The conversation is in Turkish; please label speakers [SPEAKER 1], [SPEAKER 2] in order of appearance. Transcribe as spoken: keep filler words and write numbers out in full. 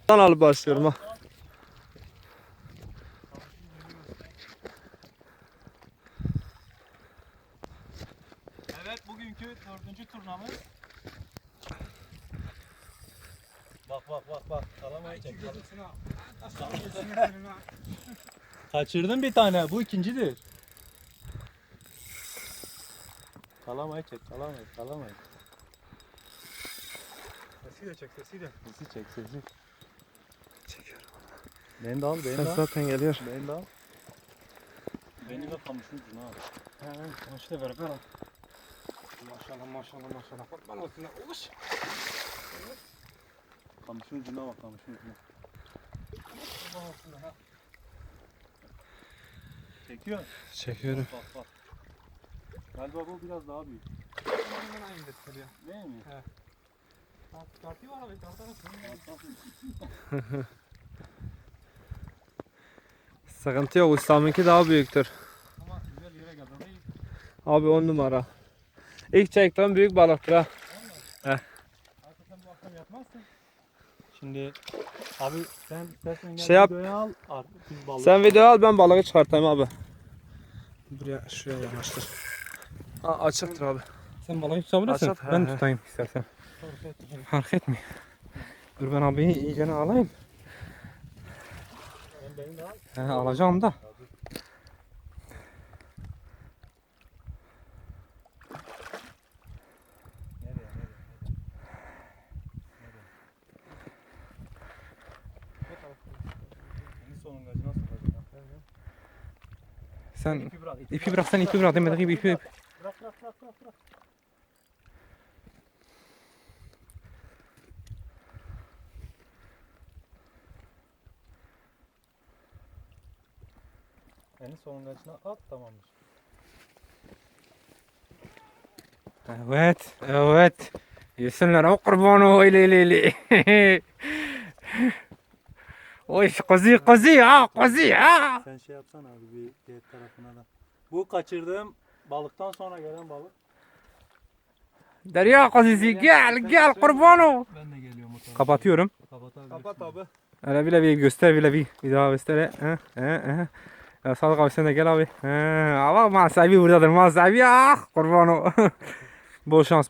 [SPEAKER 1] Ben alıp başlıyorum ha.
[SPEAKER 2] Evet, bugünkü dördüncü turnamız. Bak bak bak bak. Kalamayı çek. Kaçırdın bir tane. Bu ikincidir. Kalamayı çek. Kalamayı. Kalamayı.
[SPEAKER 3] Sesi de çek, sesi de.
[SPEAKER 2] Sesi çek sesi.
[SPEAKER 1] Çekiyorum.
[SPEAKER 2] Beni de al. Beni
[SPEAKER 1] Ses
[SPEAKER 2] de al.
[SPEAKER 1] zaten geliyor.
[SPEAKER 2] Beni de al. Beni de kamışın ucuna al.
[SPEAKER 3] He, kamışı da ver, ver al. Maşallah, maşallah, maşallah. Bak bana olsun. Uluş.
[SPEAKER 2] Kamışın ucuna bak. Kamışın ucuna.
[SPEAKER 3] Bana olsun ha.
[SPEAKER 2] Çekiyor.
[SPEAKER 1] Çekiyorum.
[SPEAKER 2] Bak bak. Galiba bu biraz daha büyük.
[SPEAKER 3] Bana aynı detaylı ya.
[SPEAKER 2] Değil mi?
[SPEAKER 3] Bak, tartı var abi, tartı.
[SPEAKER 1] Sıkıntı yok. Ustamınki daha büyüktür.
[SPEAKER 3] Ama güzel yere geldi. Değil.
[SPEAKER 1] Abi on numara. İlk çektiğim büyük balıktır ha.
[SPEAKER 3] Hakikaten bu akşam yatmazsın.
[SPEAKER 2] Şimdi abi sen istersen gel
[SPEAKER 1] Şey yap.
[SPEAKER 2] videoya al. Ar- Biz balık.
[SPEAKER 1] Sen video al, ben balığı çıkartayım abi. Buraya şuraya yanaştır. Ha, açıktır abi.
[SPEAKER 3] Sen balığı tutabilirsin.
[SPEAKER 1] Açık, he,
[SPEAKER 3] Ben
[SPEAKER 1] he.
[SPEAKER 3] tutayım istersen. Fark etmiyor. Dur ben abiyi iyicene alayım.
[SPEAKER 2] Sen beni de al.
[SPEAKER 3] He, alacağım da.
[SPEAKER 2] Nereye nereye? Senin sonungacı nasıl olacak?
[SPEAKER 3] Sen
[SPEAKER 2] İpi bırak.
[SPEAKER 3] ipi bırak, sen ipi bırak demedik gibi ipi.
[SPEAKER 2] Bırak bırak bırak bırak. bırak. En sonungacına at tamamdır.
[SPEAKER 3] Evet, evet. Yesinler o kurban o ili ili ili. Oy kuzi kuzi ha kuzi ha.
[SPEAKER 2] Sen şey yapsana abi bir diğer tarafına da. Bu kaçırdığım balıktan sonra gelen balık.
[SPEAKER 3] Derya kuzisi gel gel kurban o.
[SPEAKER 2] Ben de geliyorum o tarafa.
[SPEAKER 3] Kapatıyorum.
[SPEAKER 2] Kapatabilirsin.
[SPEAKER 1] Kapat abi.
[SPEAKER 3] Hele bile bir göster bile bir bir daha göster. He he he. Ya Sadık abi sen de gel abi. He, ama mal sahibi buradadır mal sahibi ah kurban o. Bol şans.